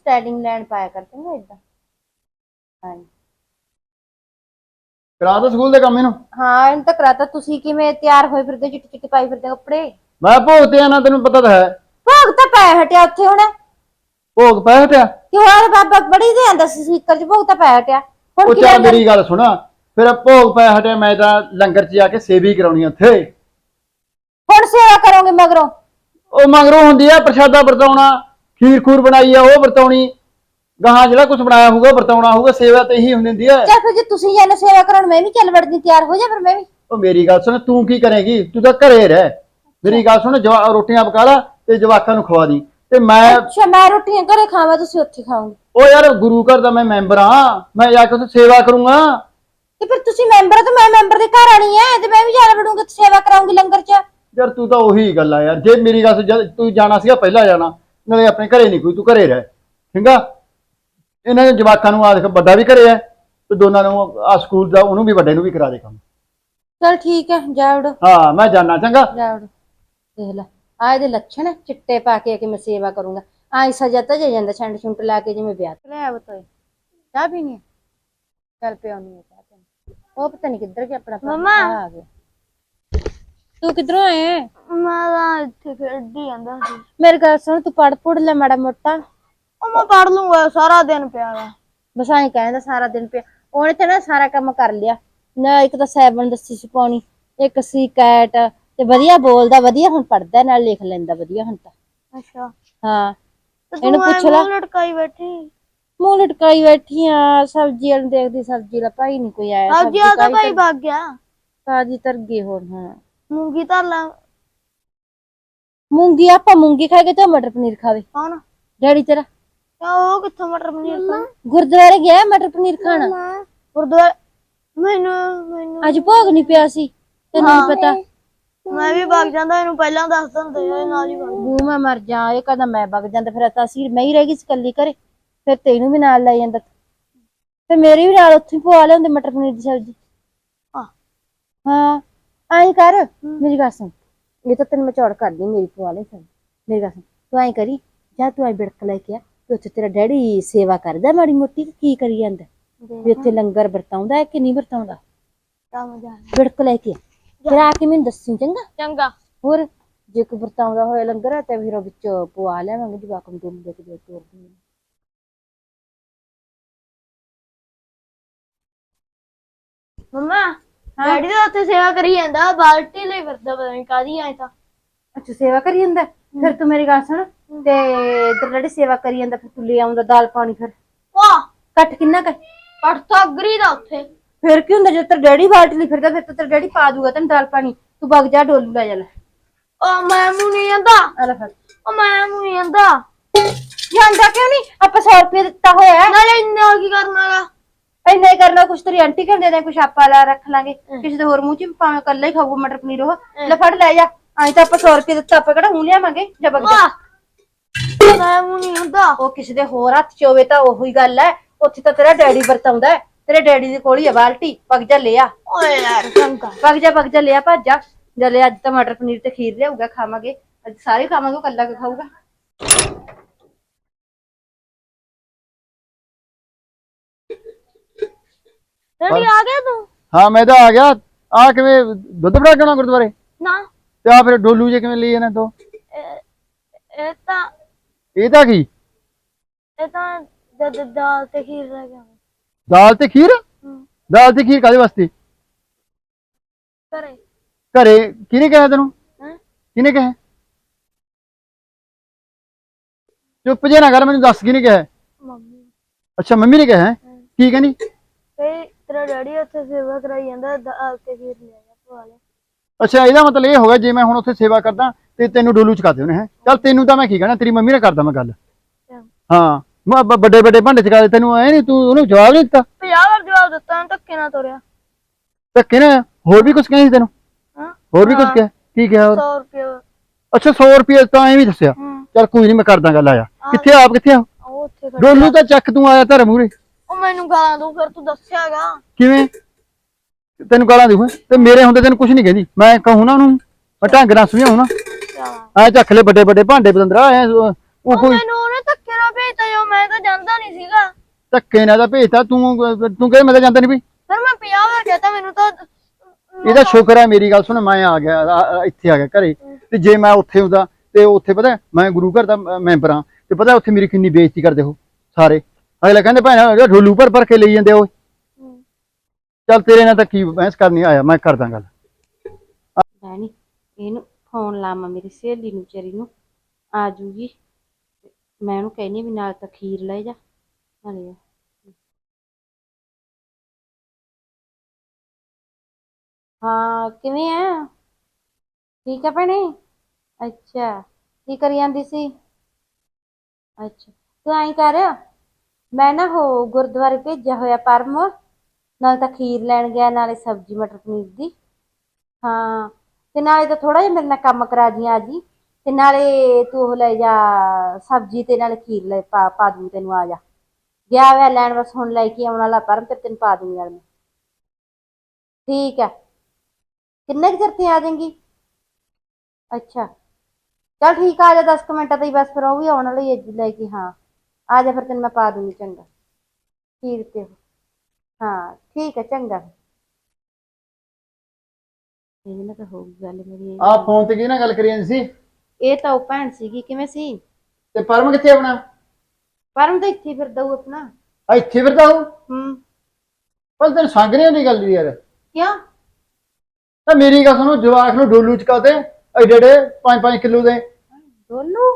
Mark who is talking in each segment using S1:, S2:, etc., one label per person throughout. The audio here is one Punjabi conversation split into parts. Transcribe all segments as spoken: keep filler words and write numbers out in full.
S1: ਸਟਾਈਲਿੰਗ ਲੈਣ ਪਾਇਆ ਕਰਦੇ ਨੇ ਇਦਾਂ। ਹਾਂਜੀ
S2: ਕਰਾ ਤਾ ਸਕੂਲ ਦੇ ਕੰਮ ਇਹਨੂੰ।
S1: ਹਾਂ ਇਹਨੂੰ ਤਾਂ ਕਰਾਤਾ। ਤੁਸੀਂ ਕਿਵੇਂ ਤਿਆਰ ਹੋਏ ਫਿਰਦੇ ਚਿੱਟੇ ਚਿੱਟੇ ਪਾਈ ਫਿਰਦੇ ਕੱਪੜੇ?
S2: ਮੈਂ ਭੋਗ ਤੇ ਆਣਾ, ਤੈਨੂੰ ਪਤਾ ਤਾਂ ਹੈ।
S1: ਭੋਗ ਤਾਂ ਪੈ ਹਟਿਆ ਉੱਥੇ ਹੁਣ।
S2: ਭੋਗ ਪੈ ਹਟਿਆ
S1: ਕਿ ਹੋਰ ਬਾਬਾ ਬੜੀ ਦੇ ਆਂਦਾ ਸੀ ਸਪੀਕਰ 'ਚ, ਭੋਗ ਤਾਂ ਪੈ ਹਟਿਆ ਹੁਣ।
S2: ਉਹ
S1: ਕੀ
S2: ਚੱਲ
S1: ਲੰਗਰ?
S2: ਮੇਰੀ ਗੱਲ ਸੁਣਾ, ਫਿਰ ਭੋਗ ਪੈ ਹਟਿਆ, ਮੈਂ ਤਾਂ ਲੰਗਰ 'ਚ ਜਾ ਕੇ ਸੇਵਾ ਹੀ ਕਰਾਉਣੀ ਉੱਥੇ।
S1: ਹੁਣ ਸੇਵਾ ਕਰੋਗੇ ਮਗਰੋਂ?
S2: ਉਹ ਮਗਰੋਂ ਹੁੰਦੀ ਆ ਪ੍ਰਸ਼ਾਦਾ ਵਰਤਾਉਣਾ, ਖੀਰ ਖੂਰ ਬਣਾਈ ਆ ਉਹ ਵਰਤਾਉਣੀ, ਗਾਹਾਂ ਜਿਹੜਾ ਕੁਝ ਬਣਾਇਆ ਹੋਊਗਾ ਵਰਤਾਉਣਾ ਹੋਊਗਾ। ਸੇਵਾ ਤੇ ਇਹੀ ਹੁੰਦੀ ਹੁੰਦੀ ਹੈ।
S1: ਚੱਲ ਫਿਰ ਜੇ ਤੁਸੀਂ ਜਾਨੇ ਸੇਵਾ ਕਰਾਉਣ, ਮੈਂ ਵੀ ਚੱਲ ਵੜਦੀ, ਤਿਆਰ ਹੋ ਜਾ ਫਿਰ ਮੈਂ ਵੀ।
S2: ਉਹ ਮੇਰੀ ਗੱਲ ਸੁਣ, ਤੂੰ ਕੀ ਕਰੇਗੀ? ਤੂੰ ਤਾਂ ਘਰੇ ਰਹਿ। ਮੇਰੀ ਗੱਲ ਸੁਣ, ਜਵਾ ਰੋਟੀਆਂ ਪਕਾ ਲਾ ਤੇ ਜਵਾਕਾਂ ਨੂੰ ਖਵਾ ਦੀ ਤੇ ਮੈਂ।
S1: ਅੱਛਾ ਮੈਂ ਰੋਟੀਆਂ ਘਰੇ ਖਾਵਾਂ, ਤੁਸੀਂ ਉੱਥੇ ਖਾਓਗੇ?
S2: ਉਹ ਯਾਰ ਗੁਰੂ ਘਰ ਦਾ ਮੈਂ ਮੈਂਬਰ ਹਾਂ, ਮੈਂ ਜਾ ਕੇ ਉੱਥੇ ਸੇਵਾ ਕਰੂੰਗਾ।
S1: ਤੇ ਫਿਰ ਤੁਸੀਂ ਮੈਂਬਰ ਤੇ ਮੈਂ ਮੈਂਬਰ ਦੇ ਘਰ ਆਣੀ ਹੈ ਤੇ ਮੈਂ ਵੀ ਜਾ ਵੜੂੰਗਾ ਤੇ ਸੇਵਾ ਕਰਾਉਂਗੀ ਲੰਗਰ 'ਚ।
S2: ਯਾਰ ਤੂੰ ਤਾਂ ਉਹੀ ਗੱਲ ਆ ਯਾਰ। ਜੇ ਮੇਰੀ ਗੱਲ ਜਦ ਤੂੰ ਜਾਣਾ ਸੀਗਾ ਪਹਿਲਾਂ ਜਾਣਾ, ਨਾਲੇ ਆਪਣੇ ਘਰੇ ਨਹੀਂ ਕੋਈ, ਤੂੰ ਘਰੇ ਰਹਿ ਚੰਗਾ। ਇਹਨਾਂ ਦੇ ਜਵਾਕਾਂ ਨੂੰ ਆ ਦੇਖ, ਵੱਡਾ ਵੀ ਘਰੇ ਹੈ ਤੇ ਦੋਨਾਂ ਨੂੰ ਆ ਸਕੂਲ ਦਾ, ਉਹਨੂੰ ਵੀ ਵੱਡੇ ਨੂੰ ਵੀ ਕਰਾ ਦੇ ਕੰਮ।
S1: ਚਲ ਠੀਕ ਹੈ, ਜਾ ਵੜੋ।
S2: ਹਾਂ ਮੈਂ ਜਾਣਾ, ਚੰਗਾ।
S1: ਜਾ ਵੜੋ। ਦੇਖ ਲੈ ਆ ਇਹਦੇ ਲੱਛਣ, ਚਿੱਟੇ ਪਾ ਕੇ ਕਿ ਮੈਂ ਸੇਵਾ ਕਰੂੰਗਾ। ਆਈ ਸਜਾ ਤਾਂ ਜੇ ਜਾਂਦਾ ਛੰਡ ਛੁੰਟ ਲਾ ਕੇ ਜਿਵੇਂ ਵਿਆਹ ਤੇ ਲੈ ਬਤੋਏ। ਚਾਹ ਪੀਣੀ ਹੈ? ਚੱਲ ਪਿਆਉਣੀ ਹੈ ਚਾਹ ਤੈਨੂੰ। ਉਹ ਪਤਾ ਨਹੀਂ ਕਿੱਧਰ ਗਿਆ ਆਪਣਾ
S3: ਮੰਮਾ
S1: ਆ ਗਿਆ। ਤੂੰ ਕਿੱਧਰੋਂ ਆਏ?
S3: ਮੈਂ ਤਾਂ ਇੱਥੇ ਖੇਡੀ ਜਾਂਦਾ ਸੀ।
S1: ਮੇਰੀ ਗੱਲ ਸੁਣ, ਤੂੰ ਪੜ ਪੁੜ ਲੈ ਮਾੜਾ ਮੋਟਾ।
S3: ਉਹ ਮੈਂ ਪੜ ਲੂੰਗਾ, ਸਾਰਾ ਦਿਨ ਪਿਆ ਵਾ।
S1: ਬਸ ਐਂ ਕਹਿੰਦਾ ਸਾਰਾ ਦਿਨ ਪਿਆ। ਉਹਨੇ ਤੇ ਨਾ ਸਾਰਾ ਕੰਮ ਕਰ ਲਿਆ ਨਾ। ਇੱਕ ਤਾਂ ਸੈਵਨ ਦੱਸੀ ਸੀ ਪਾਉਣੀ, ਇੱਕ ਸੀ ਕੈਟ, ਤੇ ਵਧੀਆ ਬੋਲਦਾ, ਵਧੀਆ ਹੁਣ ਪੜਦਾ, ਨਾਲ ਲਿਖ ਲੈਂਦਾ ਵਧੀਆ ਹੁਣ ਤਾਂ।
S3: ਅੱਛਾ
S1: ਹਾਂ
S3: ਤੇ
S1: ਇਹਨੂੰ
S3: ਤੂੰ
S1: ਪੁੱਛ
S3: ਐ
S1: ਲੈ।
S3: ਮੂੰਹ ਲਟਕਾਈ ਬੈਠੀ।
S1: ਮੂੰਹ ਲਟਕਾਈ ਬੈਠੀ ਆ, ਸਬਜ਼ੀ ਵਾਲ ਦੇਖਦੀ, ਸਬਜ਼ੀ ਦਾ ਭਾਈ ਨੀ ਕੋਈ ਆਇਆ।
S3: ਅੱਜ ਆ ਤਾਂ ਭਾਈ ਭੱਗ ਗਿਆ।
S1: ਤਾਜੀ ਤਰ ਗਈ ਹੁਣ। ਹਾਂ
S3: ਮੂੰਗੀ ਧਰ ਲਾ।
S1: ਮੂੰਗੀ ਆਪਾਂ ਮੂੰਗੀ ਖਾ ਕੇ ਤੇ ਮਟਰ ਪਨੀਰ ਖਾਵੇ
S3: ਕੌਣ?
S1: ਡੈਡੀ ਤੇਰਾ।
S3: ਉਹ ਕਿੱਥੋਂ ਮਟਰ ਪਨੀਰ ਖਾਣਾ?
S1: ਗੁਰਦੁਆਰੇ ਗਿਆ ਮਟਰ ਪਨੀਰ ਖਾਣਾ।
S3: ਗੁਰਦੁਆਰੇ? ਮੈਨੂੰ ਮੈਨੂੰ
S1: ਅੱਜ ਭੋਗ ਨਹੀਂ ਪਿਆ ਸੀ, ਤੈਨੂੰ ਨੀ ਪਤਾ?
S3: ਮੈਂ ਵੀ ਭੱਗ ਜਾਂਦਾ, ਇਹਨੂੰ ਪਹਿਲਾਂ ਦੱਸ ਦਿੰਦੇ ਇਹ ਨਾਲ ਹੀ ਭੱਗ।
S1: ਬੂ ਮੈਂ ਮਰ ਜਾ। ਇਹ ਕਹਿੰਦਾ ਮੈਂ ਵਗ ਜਾਂਦਾ, ਫਿਰ ਤਾਂ ਅਸੀਂ ਮੈਂ ਹੀ ਰਹਿ ਗਈ ਸੀ ਇਕੱਲੀ ਘਰੇ। ਫਿਰ ਤੈਨੂੰ ਵੀ ਨਾਲ ਲੈ ਜਾਂਦਾ, ਤੇ ਮੇਰੀ ਵੀ ਨਾਲ ਉੱਥੇ ਪਵਾ ਲਿਆਉਂਦੇ ਮਟਰ ਪਨੀਰ ਦੀ ਸਬਜ਼ੀ। ਹਾਂ ਐਂ ਕਰ, ਮੇਰੀ ਗੱਲ ਸੁਣ, ਇਹ ਤਾਂ ਤੈਨੂੰ ਮੈਂ ਚੌੜ ਕਰਦੀ, ਮੇਰੀ ਪਵਾ ਲੈ ਸਬਜ਼ੀ। ਮੇਰੀ ਗੱਲ ਸੁਣ, ਤੂੰ ਐਂ ਕਰੀ, ਜਾਂ ਤੂੰ ਐਂ ਬਿੜਕ ਲੈ ਕੇ ਆ, ਤੇ ਉੱਥੇ ਤੇਰਾ ਡੈਡੀ ਸੇਵਾ ਕਰਦਾ ਮਾੜੀ ਮੋਟੀ, ਕੀ ਕਰੀ ਜਾਂਦਾ ਵੀ ਉੱਥੇ ਲੰਗਰ ਵਰਤਾਉਂਦਾ ਹੈ ਕਿ ਨਹੀਂ ਵਰਤਾਉਂਦਾ? ਬਿੜਕ ਲੈ ਕੇ ਫਿਰ ਆ ਕੇ ਮੈਨੂੰ ਦੱਸੀ, ਚੰਗਾ?
S3: ਚੰਗਾ।
S1: ਹੋਰ ਜੇ ਕੋਈ ਵਰਤਾਉਂਦਾ ਹੋਇਆ ਲੰਗਰ ਤੇ ਫਿਰ ਵਿੱਚ ਪਵਾ ਲਿਆਵਾਂਗੇ, ਜਵਾਕ ਨੂੰ ਦੁੱਧ ਦੇ ਕੇ ਤੋਰ ਦੂੰਗੀ।
S3: ਮੰਮਾ ਡੈਡੀ ਦਾ ਉੱਥੇ ਸੇਵਾ ਕਰੀ ਜਾਂਦਾ, ਬਾਲਟੀ ਲਈ ਫਿਰਦਾ, ਪਤਾ ਨਹੀਂ ਕਾਹਦੀ ਆਏ ਤਾਂ।
S1: ਅੱਛਾ ਸੇਵਾ ਕਰੀ ਜਾਂਦਾ। ਫਿਰ ਤੂੰ ਮੇਰੀ ਗੱਲ ਸੁਣ, ਤੇ ਤੇਰਾ ਡੈਡੀ ਸੇਵਾ ਕਰੀ ਜਾਂਦਾ, ਫਿਰ ਤੂੰ ਲੈ ਆਉਂਦਾ ਦਾਲ ਪਾਣੀ। ਫਿਰ
S3: ਵਾਹ
S1: ਕੱਟ ਕਿੰਨਾ ਕਰ
S3: ਕੱਟ ਤਾਂ ਅਗਰੀ ਦਾ ਉੱਥੇ।
S1: ਫਿਰ ਕੀ ਹੁੰਦਾ, ਜੇ ਤੇਰਾ ਡੈਡੀ ਬਾਲਟੀ ਲਈ ਫਿਰਦਾ ਫਿਰ ਤਾਂ ਤੇਰਾ ਡੈਡੀ ਪਾ ਦੂਗਾ ਤੈਨੂੰ ਦਾਲ ਪਾਣੀ। ਤੂੰ ਵਗ ਜਾ, ਡੋਲੂ ਲੈ ਜਾ ਲੈ।
S3: ਉਹ ਮੈਂ ਮੂੰਹ ਨਹੀਂ ਜਾਂਦਾ।
S1: ਆ ਲੈ ਫਿਰ।
S3: ਉਹ ਮੈਂ ਮੂੰਹ ਨਹੀਂ ਜਾਂਦਾ।
S1: ਜਾਂਦਾ ਕਿਉਂ ਨਹੀਂ? ਆਪਾਂ ਸੌ ਰੁਪਏ ਦਿੱਤਾ ਹੋਇਆ ਹੈ।
S3: ਨਾਲੇ ਇੰਨਾ ਕੀ ਕਰਨਾਗਾ?
S1: ਇੰਨਾ ਹੀ ਕਰਨਾ, ਕੁਛ ਤੇਰੀ ਆਂਟੀ ਕਹਿੰਦੇ ਨੇ, ਕੁਛ ਆਪਾਂ ਲਾ ਰੱਖ ਲਾਂਗੇ ਕਿਸੇ ਦੇ ਹੋਰ ਮੂੰਹ ਚ, ਭਾਵੇਂ ਕੱਲਾ ਹੀ ਖਾਊਗਾ ਮਟਰ ਪਨੀਰ। ਉਹ ਲੈ ਫੜ ਲੈ ਜਾ। ਆਈ ਤਾਂ ਆਪਾਂ ਸੌ ਰੁਪਏ ਦਿੱਤਾ, ਆਪਾਂ ਕਿਹੜਾ ਹੁਣ ਲਿਆਵਾਂਗੇ? ਜਾ ਵਗ ਜਾ।
S3: ਮੈਂ ਮੂੰਹ ਨਹੀਂ ਹੁੰਦਾ।
S1: ਉਹ ਕਿਸੇ ਦੇ ਹੋਰ ਹੱਥ ਚ ਹੋਵੇ ਤਾਂ ਉਹੀ ਗੱਲ ਹੈ। ਉੱਥੇ ਤਾਂ ਤੇਰਾ ਡੈਡੀ ਵਰਤਾਉਂਦਾ, ਤੇਰੇ ਡੈਡੀ ਦੇ ਕੋਲ ਹੀ ਆ ਬਾਲਟੀ। ਵਗ ਜਾ ਲੈ ਆ।
S3: ਓਏ ਯਾਰ ਚੰਗਾ।
S1: ਵਗ ਜਾ ਵਗ ਜਾ ਲੈ ਆ, ਭੱਜ ਜਾ। ਜਲੇ ਅੱਜ ਤਾਂ ਮਟਰ ਪਨੀਰ ਤੇ ਖੀਰ ਲਿਆਊਗਾ, ਖਾਵਾਂਗੇ ਅੱਜ ਸਾਰੇ ਖਾਵਾਂਗੇ, ਉਹ ਕੱਲਾ ਕਿ ਖਾਊਗਾ?
S3: ਡੈਡੀ ਆ ਗਿਆ ਤੂੰ?
S2: ਹਾਂ ਮੈਂ ਤਾਂ ਆ ਗਿਆ। ਆ ਕਿਵੇਂ ਦੁੱਧ ਫੜਾ ਕੇ ਆਉਣਾ ਗੁਰਦੁਆਰੇ?
S3: ਨਾ
S2: ਤੇ ਆ ਫਿਰ ਡੋਲੂ ਜੇ ਕਿਵੇਂ ਲਈ ਜਾਣਾ ਤੂੰ?
S3: ਇਹ ਤਾਂ
S2: ਇਹ ਤਾਂ ਕੀ?
S3: ਇਹ ਤਾਂ ਜਦ ਦਾਲ ਤੇ ਖੀਰ ਰਹਿ ਗਿਆ।
S2: ਦਾਲ ਤੇ ਖੀਰ? ਦਾਲ ਤੇ ਖੀਰ ਕਾਹਦੇ ਵਾਸਤੇ?
S3: ਘਰੇ।
S2: ਘਰੇ ਕਿਹਨੇ ਕਿਹਾ ਤੈਨੂੰ?
S3: ਹੈਂ?
S2: ਕਿਹਨੇ ਕਿਹਾ? ਚੁੱਪ ਜੇ ਨਾ ਕਰ, ਮੈਨੂੰ ਦੱਸ ਕਿਹਨੇ ਕਿਹਾ?
S3: ਮੰਮੀ।
S2: ਅੱਛਾ ਮੰਮੀ ਨੇ ਕਿਹਾ ਹੈ? ਕੀ ਕਹਿੰਦੀ?
S3: ਤੇ ਤੇਰਾ ਡੈਡੀ ਉੱਥੇ ਸੇਵਾ ਕਰਾਈ ਜਾਂਦਾ, ਦਾਲ ਤੇ ਖੀਰ ਲੈ ਜਾ ਪਵਾ ਲੈ।
S2: ਅੱਛਾ ਇਹਦਾ ਮਤਲਬ ਇਹ ਹੋ ਗਿਆ, ਜੇ ਮੈਂ ਹੁਣ ਉੱਥੇ ਸੇਵਾ ਕਰਦਾ ਤੇ ਤੈਨੂੰ ਡੋਲੂ ਚਕਾ ਦੇ ਉਹਨੇ। ਹੈ ਚੱਲ ਤੈਨੂੰ ਤਾਂ ਮੈਂ ਕੀ ਕਹਿਣਾ, ਤੇਰੀ ਮੰਮੀ ਨਾਲ ਕਰਦਾ ਮੈਂ ਗੱਲ। ਹਾਂ ਮੈਂ ਵੱਡੇ ਵੱਡੇ ਭਾਂਡੇ ਚਕਾ ਦੇ ਤੈਨੂੰ। ਐ ਨੀ ਤੂੰ ਉਹਨੂੰ ਜਵਾਬ ਨਹੀਂ ਦਿੱਤਾ?
S3: ਪੰਜਾਹ ਵਾਰ ਜਵਾਬ ਦਿੱਤਾ, ਧੱਕੇ ਨਾਲ ਤੋਰਿਆ।
S2: ਧੱਕੇ ਨਾ? ਹੋਰ ਵੀ ਕੁਛ ਕਹਿੰਦੀ ਸੀ ਤੈਨੂੰ?
S3: ਹਾਂ
S2: ਹੋਰ ਵੀ ਕੁਛ ਕਿਹਾ? ਕੀ ਕਿਹਾ ਹੋਰ?
S3: ਸੌ ਰੁਪਏ।
S2: ਅੱਛਾ ਸੌ ਰੁਪਏ ਤਾਂ ਐ ਵੀ ਦੱਸਿਆ? ਚੱਲ ਕੋਈ ਨਹੀਂ, ਮੈਂ ਕਰਦਾ ਗੱਲ। ਆਇਆ ਕਿੱਥੇ? ਆਪ ਕਿੱਥੇ ਆ?
S3: ਉਹ ਉੱਥੇ ਖੜਾ।
S2: ਡੋਲੂ ਤਾਂ ਚੱਕ, ਤੂੰ ਆਇਆ ਧਰ ਮੂਰੇ।
S3: ਉਹ ਮੈਨੂੰ ਗਾਲਾਂ ਦੂ, ਫਿਰ ਤੂੰ ਦੱਸਿਆਗਾ
S2: ਕਿਵੇਂ? ਤੈਨੂੰ ਗਾਲਾਂ ਦੂ? ਤੇ ਮੇਰੇ ਹੁੰਦੇ ਤੈਨੂੰ ਕੁਛ ਨਹੀਂ ਕਹਿੰਦੀ। ਮੈਂ ਕਹੂੰ ਨਾ ਉਹਨੂੰ, ਮੈਂ ਢੰਗ ਨਾਲ ਸਮਝਾਉਂ ਨਾ। ਐ ਚੱਕ ਲੈ ਵੱਡੇ ਵੱਡੇ ਭਾਂਡੇ ਬਦੰਦਰਾ। ਐ ਉਹ ਕੋਈ
S3: ਮੈਨੂੰ ਉਹਨੇ ਧੱਕੇ ਨਾਲ ਭੇਜ ਭੇਜਤਾ ਜੋ ਮੈਂ ਤਾਂ ਜਾਂਦਾ ਨਹੀਂ ਸੀਗਾ।
S2: ਧੱਕੇ ਨਾਲ ਤਾਂ ਭੇਜਤਾ ਤੂੰ ਤੂੰ ਕਹੇ ਮੈਂ ਤਾਂ ਜਾਂਦਾ ਨਹੀਂ ਵੀ।
S3: ਫਿਰ ਮੈਂ ਪੰਜਾਹ ਵਾਰ ਕਹਤਾ ਮੈਨੂੰ ਤਾਂ
S2: ਇਹਦਾ ਸ਼ੁਕਰ ਹੈ ਮੇਰੀ ਗੱਲ ਸੁਣ ਮੈਂ ਆ ਗਿਆ ਆ- ਆ- ਇੱਥੇ ਆ ਗਿਆ ਘਰੇ ਤੇ ਜੇ ਮੈਂ ਉੱਥੇ ਹੁੰਦਾ ਤੇ ਉੱਥੇ ਪਤਾ ਮੈਂ ਗੁਰੂ ਘਰ ਦਾ ਮੈਂਬਰ ਹਾਂ ਤੇ ਪਤਾ ਉੱਥੇ ਮੇਰੀ ਕਿੰਨੀ ਬੇਇੱਜ਼ਤੀ ਕਰਦੇ ਹੋ ਸਾਰੇ। ਅਗਲੇ ਕਹਿੰਦੇ ਭੈਣ ਢੋਲੂ ਭਰ ਭਰ ਕੇ ਲਈ ਜਾਂਦੇ ਓਏ। ਚੱਲ ਤੇਰੇ ਨਾਲ ਤਾਂ ਕੀ ਬਹਿਸ ਕਰਨੀ ਆਇਆ ਮੈਂ ਕਰਦਾ ਗੱਲ।
S1: ਭੈਣੀ ਇਹਨੂੰ ਫੋਨ ਲਾਵਾਂ ਮੇਰੀ ਸਹੇਲੀ ਨੂੰ ਵਿਚਾਰੀ ਨੂੰ ਆ ਜੂਗੀ। ਮੈਂ ਉਹਨੂੰ ਕਹਿੰਦੀ ਵੀ ਨਾਲ ਤਾਂ ਖੀਰ ਲੈ ਜਾ ਨਾਲੇ। ਹਾਂ ਕਿਵੇਂ ਆ? ਠੀਕ ਆ ਭੈਣੇ। ਅੱਛਾ ਕੀ ਕਰੀ ਜਾਂਦੀ ਸੀ? ਅੱਛਾ ਤੂੰ ਐਂ ਕਰ ਮੈਂ ਨਾ ਹੋ ਗੁਰਦੁਆਰੇ ਭੇਜਿਆ ਹੋਇਆ ਪਰਮ ਨਾਲ ਤਾਂ ਖੀਰ ਲੈਣ ਗਿਆ ਨਾਲੇ ਸਬਜ਼ੀ ਮਟਰ ਪਨੀਰ ਦੀ। ਹਾਂ ਤੇ ਨਾਲੇ ਤਾਂ ਥੋੜਾ ਜਿਹਾ ਮੇਰੇ ਨਾਲ ਕੰਮ ਕਰਾ ਜੀ ਆ ਜੀ ਤੇ ਨਾਲੇ ਤੂੰ ਉਹ ਲੈ ਜਾ ਸਬਜ਼ੀ ਤੇ ਨਾਲੇ ਖੀਰ ਲੈ ਪਾ ਪਾ ਦੂੰ ਤੈਨੂੰ। ਆ ਜਾ ਗਿਆ ਹੋਇਆ ਲੈਣ ਬਸ ਹੁਣ ਲੈ ਕੇ ਆਉਣ ਵਾਲਾ ਪਰਮ ਤੇ ਤੈਨੂੰ ਪਾ ਦੂੰਗੀ ਨਾਲ ਮੈਂ। ਠੀਕ ਆ ਕਿੰਨੇ ਕੁ ਚਿਰ ਤੇ ਆ ਜਾਏਂਗੀ? ਅੱਛਾ ਚੱਲ ਠੀਕ ਆ, ਆ ਜਾ ਦਸ ਕੁ ਮਿੰਟਾਂ ਤੇ ਬਸ ਫਿਰ ਉਹ ਵੀ ਆਉਣ ਵਾਲੀ ਹੈ ਲੈ ਕੇ। ਹਾਂ ਆ ਜਾ ਫਿਰ ਤੈਨੂੰ ਮੈਂ ਪਾ ਦੂੰਗੀ ਚੰਗਾ ਖੀਰ ਤੇ। ਹਾਂ ਠੀਕ ਹੈ ਚੰਗਾ। ਇਹਦੇ ਨਾਲ ਤਾਂ ਹੋਊਗੀ ਗੱਲ ਮੇਰੀ।
S2: ਆ ਫੋਨ ਤੇ ਕੀ ਨਾ ਗੱਲ ਕਰੀ ਜਾਂਦੀ ਸੀ?
S1: ਇਹ ਤਾਂ ਉਹ ਭੈਣ ਸੀਗੀ। ਕਿਵੇਂ ਸੀ?
S2: ਤੇ ਪਰਮ ਕਿੱਥੇ ਆਪਣਾ?
S1: ਪਰਮ ਤਾਂ ਇੱਥੇ ਫਿਰਦਾ ਉਹ ਆਪਣਾ।
S2: ਆ ਇੱਥੇ ਫਿਰਦਾ ਉਹ?
S1: ਹੂੰ
S2: ਪਰ ਤੈਨੂੰ ਸੰਗ ਨਹੀਂ ਹੁੰਦੀ ਗੱਲ ਦੀ ਯਾਰ।
S1: ਕਿਉਂ?
S2: ਤਾਂ ਮੇਰੀ ਗੱਲ ਸੁਣੋ ਜਵਾਕ ਨੂੰ ਡੋਲੂ ਚਕਾਤੇ ਐਡੇ ਐਡੇ ਪੰਜ ਪੰਜ ਕਿਲੋ ਦੇ।
S1: ਡੋਲੂ?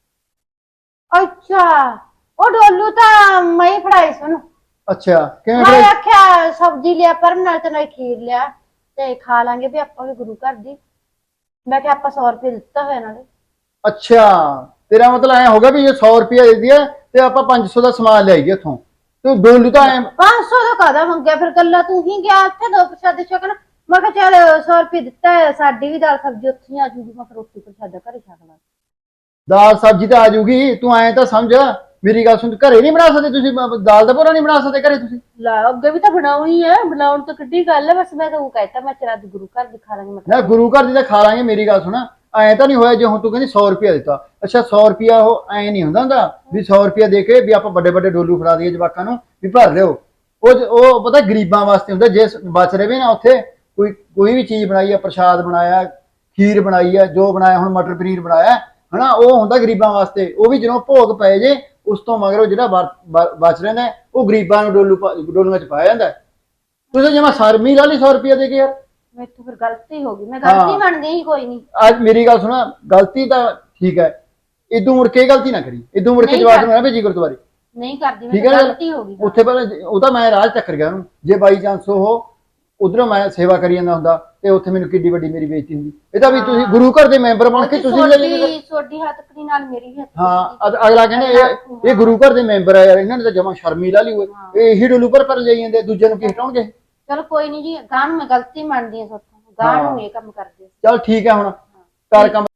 S1: ਅੱਛਾ ਉਹ ਡੋਲੂ ਤਾਂ ਮੈਂ ਹੀ ਫੜਾਈ ਸੀ ਉਹਨੂੰ।
S2: ਅੱਛਾ ਕਿਵੇਂ
S1: ਮੈਂ
S2: ਫਿਰ?
S1: ਆਖਿਆ ਸਬਜ਼ੀ ਲਿਆ ਪਰਮ ਨਾਲ ਤੇ ਨਾਲ ਖੀਰ ਲਿਆ ਤੇ ਖਾ ਲਾਂਗੇ ਵੀ ਆਪਾਂ ਵੀ ਗੁਰੂ ਘਰ ਦੀ। ਮੈਂ ਕਿਹਾ ਆਪਾਂ ਸੌ ਰੁਪਏ ਦਿੱਤਾ ਹੋਇਆ ਨਾਲੇ।
S2: ਅੱਛਾ ਤੇਰਾ ਮਤਲਬ ਐ ਹੋਗਾ ਵੀ ਇਹ ਸੌ ਰੁਪਇਆ ਦੇ ਦਿਆ ਤੇ ਆਪਾਂ ਪੰਜ ਸੌ ਦਾ ਸਮਾਨ ਲਿਆਈਏ ਉੱਥੋਂ। ਤੂੰ ਡੋਲੂ ਤਾਂ ਐ
S1: ਪੰਜ ਸੌ ਦਾ ਕਾਹਦਾ ਮੰਗਿਆ ਫਿਰ? ਗੱਲਾਂ ਤੂੰ ਹੀ ਗਿਆ ਉੱਥੇ ਦੋ ਪ੍ਰਸ਼ਾਦੇ ਛਕਣ। ਮੈਂ ਕਿਹਾ ਚੱਲ ਸੌ ਰੁਪਏ ਦਿੱਤਾ ਹੈ ਸਾਡੀ ਵੀ ਦਾਲ ਸਬਜ਼ੀ ਉੱਥੇ ਹੀ ਆ ਜੂਗੀ। ਮੈਂ ਫਿਰ ਰੋਟੀ ਪ੍ਰਸ਼ਾਦਾ ਘਰੇ ਛਕ ਲਾਂ।
S2: ਦਾਲ ਸਬਜ਼ੀ ਤਾਂ ਆ ਜੂਗੀ। ਤੂੰ ਐਂ ਤਾਂ ਸਮਝ ਮੇਰੀ ਗੱਲ ਸੁਣ ਘਰੇ ਨਹੀਂ ਬਣਾ ਸਕਦੇ ਤੁਸੀਂ ਬ- ਦਾਲ ਦਾ ਭੋਰਾ ਨਹੀਂ ਬਣਾ ਸਕਦੇ ਘਰੇ ਤੁਸੀਂ?
S1: ਲਾ ਅੱਗੇ ਵੀ ਤਾਂ ਬਣਾਉਣੀ ਹੈ ਬਣਾਉਣ ਤੋਂ ਕਿੱਡੀ ਗੱਲ ਹੈ। ਬਸ ਮੈਂ ਤਾਂ ਉਹ ਕਹਿਤਾ ਮੈਂ ਚਰਾ ਦੀ ਗੁਰੂ ਘਰ ਦਿਖਾ ਲਾਂਗੀ। ਮੈਂ
S2: ਨਾ ਗੁਰੂ ਘਰ ਦੀ ਤਾਂ ਖਾ ਲਾਂਗੇ। ਮੇਰੀ ਗੱਲ ਸੁਣ ਐਂ ਤਾਂ ਨਹੀਂ ਹੋਇਆ ਜੇ ਹੁਣ ਤੂੰ ਕਹਿੰਦੀ ਸੌ ਰੁਪਇਆ ਦਿੱਤਾ। ਅੱਛਾ ਸੌ ਰੁਪਇਆ ਉਹ ਐਂ ਨਹੀਂ ਹੁੰਦਾ ਹੁੰਦਾ ਵੀ ਸੌ ਰੁਪਇਆ ਦੇ ਕੇ ਵੀ ਆਪਾਂ ਵੱਡੇ ਵੱਡੇ ਡੋਲੂ ਫੜਾ ਦਈਏ ਜਵਾਕਾਂ ਨੂੰ ਵੀ ਭਰ ਲਿਓ। ਉਹ ਉਹ ਪਤਾ ਗਰੀਬਾਂ ਵਾਸਤੇ ਹੁੰਦਾ। ਜੇ ਬਚ ਰਵੇ ਨਾ ਉੱਥੇ ਕੋਈ ਕੋਈ ਵੀ ਚੀਜ਼ ਬਣਾਈ ਆ ਪ੍ਰਸ਼ਾਦ ਬਣਾਇਆ ਖੀਰ ਬਣਾਈ ਆ ਜੋ ਬਣਾਇਆ ਹੁਣ ਮਟਰ ਪਨੀਰ ਬਣਾਇਆ ਹਨਾ ਉਹ ਹੁੰਦਾ ਗਰੀਬਾਂ ਵਾਸਤੇ। ਉਹ ਵੀ ਜਦੋਂ ਭੋਗ ਪਏ ਜੇ ਉਸ ਤੋਂ ਮਗਰੋਂ ਜਿਹੜਾ ਬਚ ਰਹਿੰਦਾ ਉਹ ਗਰੀਬਾਂ ਨੂੰ ਡੋਲੂ ਡੋਲੂਆਂ ਚ ਪਾਇਆ ਜਾਂਦਾ। ਤੁਸੀਂ ਜਮਾ ਸਰਮੀ ਲਾ ਲਈ ਸੌ ਰੁਪਇਆ ਦੇ ਕੇ ਯਾਰ।
S1: ਮੈਥੋਂ ਫਿਰ ਗਲਤੀ ਹੋ ਗਈ। ਮੈਂ ਗਲਤੀ ਮੰਨਦੀ ਹੀ ਕੋਈ ਨਹੀਂ।
S2: ਅੱਜ ਮੇਰੀ ਗੱਲ ਸੁਣਾ ਗਲਤੀ ਤਾਂ ਠੀਕ ਹੈ ਇਦੋਂ ਮੁੜ ਕੇ ਗਲਤੀ ਨਾ ਕਰੀ। ਇਦੋਂ ਮੁੜ ਕੇ ਜਵਾਬ ਨੂੰ ਨਾ ਭੇਜੀ ਗੁਰਦੁਆਰੇ।
S1: ਨਹੀਂ ਕਰਦੀ
S2: ਠੀਕ
S1: ਮੈਂ
S2: ਹੈ
S1: ਗਲਤੀ ਹੋ ਗਈ।
S2: ਉੱਥੇ ਪਹਿਲਾਂ ਉਹ ਤਾਂ ਮੈਂ ਰਾਜ ਚੱਕਰ ਗਿਆ ਉਹਨੂੰ ਜੇ ਬਾਈ ਚਾਂਸ ਉਹ ਉਧਰੋਂ ਮੈਂ ਸੇਵਾ ਕਰੀ ਜਾਂਦਾ ਹੁੰਦਾ ਤੇ ਉੱਥੇ ਮੈਨੂੰ ਕਿੱਡੀ ਵੱਡੀ ਮੇਰੀ ਬੇਇੱਜ਼ਤੀ ਹੁੰਦੀ। ਇਹ ਤਾਂ ਵੀ ਤੁਸੀਂ ਗੁਰੂ ਘਰ ਦੇ ਮੈਂਬਰ ਬਣ ਕੇ ਤੁਸੀਂ
S1: ਛੋਟੀ ਹੱਥਕੜੀ ਨਾਲ ਮੇਰੀ ਹੱਥ।
S2: ਹਾਂ ਅਗਲਾ ਕਹਿੰਦਾ ਇਹ ਇਹ ਗੁਰੂ ਘਰ ਦੇ ਮੈਂਬਰ ਆ ਯਾਰ ਇਹਨਾਂ ਨੇ ਤਾਂ ਜਮਾ ਸ਼ਰਮੀ ਲਾ ਲਈ ਹੋਏ। ਇਹ ਇਹੀ ਡੋਲੂ ਪਰ ਪਰ ਜਾਈ ਜਾਂਦੇ ਦੂਜੇ ਨੂੰ ਕੀ ਹਟਾਉਣਗੇ?
S1: ਚਲੋ ਕੋਈ ਨਹੀਂ ਜੀ ਗਾਂ ਨੂੰ ਮੈਂ ਗਲਤੀ ਮੰਨਦੀ ਹਾਂ ਸੋਥੋਂ। ਗਾਂ ਨੂੰ ਇਹ ਕੰਮ ਕਰਦੇ।
S2: ਚਲ ਠੀਕ ਹੈ ਹੁਣ ਕਰ ਕੰਮ।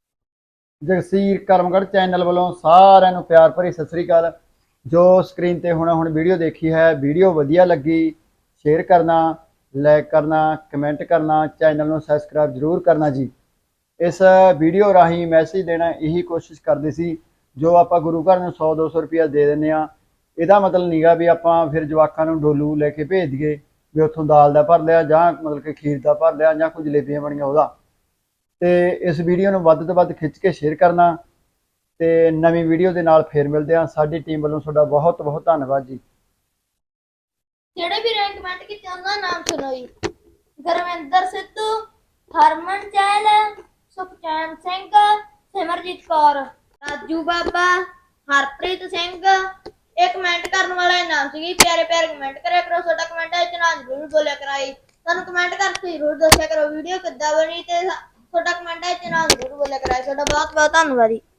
S2: ਜਗਸੀਰ ਕਰਮਗੜ੍ਹ ਚੈਨਲ ਵੱਲੋਂ ਸਾਰਿਆਂ ਨੂੰ ਪਿਆਰ ਭਰੀ ਸਤਿ ਸ੍ਰੀ ਅਕਾਲ। ਜੋ ਸਕਰੀਨ ਤੇ ਹੁਣ ਹੁਣ ਵੀਡੀਓ ਦੇਖੀ ਹੈ ਵੀਡੀਓ ਵਧੀਆ ਲੱਗੀ ਸ਼ੇਅਰ ਕਰਨਾ ਲਾਈਕ ਕਰਨਾ ਕਮੈਂਟ ਕਰਨਾ ਚੈਨਲ ਨੂੰ ਸਬਸਕ੍ਰਾਈਬ ਜ਼ਰੂਰ ਕਰਨਾ ਜੀ। ਇਸ ਵੀਡੀਓ ਰਾਹੀਂ ਮੈਸੇਜ ਦੇਣਾ ਇਹੀ ਕੋਸ਼ਿਸ਼ ਕਰਦੇ ਸੀ ਜੋ ਆਪਾਂ ਗੁਰੂ ਘਰ ਨੂੰ ਸੌ ਦੋ ਸੌ ਰੁਪਇਆ ਦੇ ਦਿੰਦੇ ਹਾਂ ਇਹਦਾ ਮਤਲਬ ਨੀਗਾ ਵੀ ਆਪਾਂ ਫਿਰ ਜਵਾਕਾਂ ਨੂੰ ਡੋਲੂ ਲੈ ਕੇ ਭੇਜ ਦਈਏ ਵੀ ਉੱਥੋਂ ਦਾਲ ਦਾ ਭਰ ਲਿਆ ਜਾਂ ਮਤਲਬ ਕਿ ਖੀਰ ਦਾ ਭਰ ਲਿਆ ਜਾਂ ਕੋਈ ਜਲੇਬੀਆਂ ਬਣੀਆਂ ਉਹਦਾ। ਤੇ ਇਸ ਵੀਡੀਓ ਨੂੰ ਵੱਧ ਤੋਂ ਵੱਧ ਖਿੱਚ ਕੇ ਸ਼ੇਅਰ ਕਰਨਾ ਤੇ ਨਵੀਂ ਵੀਡੀਓ ਦੇ ਨਾਲ ਫੇਰ ਮਿਲਦੇ ਹਾਂ। ਸਾਡੀ ਟੀਮ ਵੱਲੋਂ ਤੁਹਾਡਾ ਬਹੁਤ ਬਹੁਤ ਧੰਨਵਾਦ ਜੀ।
S3: ਜਿਹੜੇ ਵੀ ਰੈਂਕ ਕਮੈਂਟ ਕੀਤੇ ਉਹਨਾਂ ਦਾ ਨਾਮ ਸੁਣੋ ਜੀ। ਗੁਰਵਿੰਦਰ ਸਿੱਧੂ, ਹਰਮਨ ਚਹਿਲ, ਸੁਖਚੈਨ ਸਿੰਘ, ਸਿਮਰਜੀਤ ਕੌਰ, ਰਾਜੂ ਬਾਬਾ, ਹਰਪ੍ਰੀਤ ਸਿੰਘ। ਇਹ ਕਮੈਂਟ ਕਰਨ ਵਾਲਾ ਦਾ ਨਾਮ ਸੀ। ਪਿਆਰੇ ਪਿਆਰੇ ਕਮੈਂਟ ਕਰਿਆ ਕਰੋ। ਤੁਹਾਡਾ ਕਮੈਂਟ ਵਿੱਚ ਨਾ ਜ਼ਰੂਰ ਬੋਲਿਆ ਕਰਾਈ। ਤੁਹਾਨੂੰ ਕਮੈਂਟ ਕਰਕੇ ਜ਼ਰੂਰ ਦੱਸਿਆ ਕਰੋ ਵੀਡੀਓ ਕਿੱਦਾਂ ਬਣੀ ਤੇ ਤੁਹਾਡਾ ਕਮੈਂਟ ਵਿੱਚ ਨਾ ਜ਼ਰੂਰ ਬੋਲਿਆ ਕਰਾਈ। ਤੁਹਾਡਾ ਬਹੁਤ ਬਹੁਤ ਧੰਨਵਾਦ ਜੀ।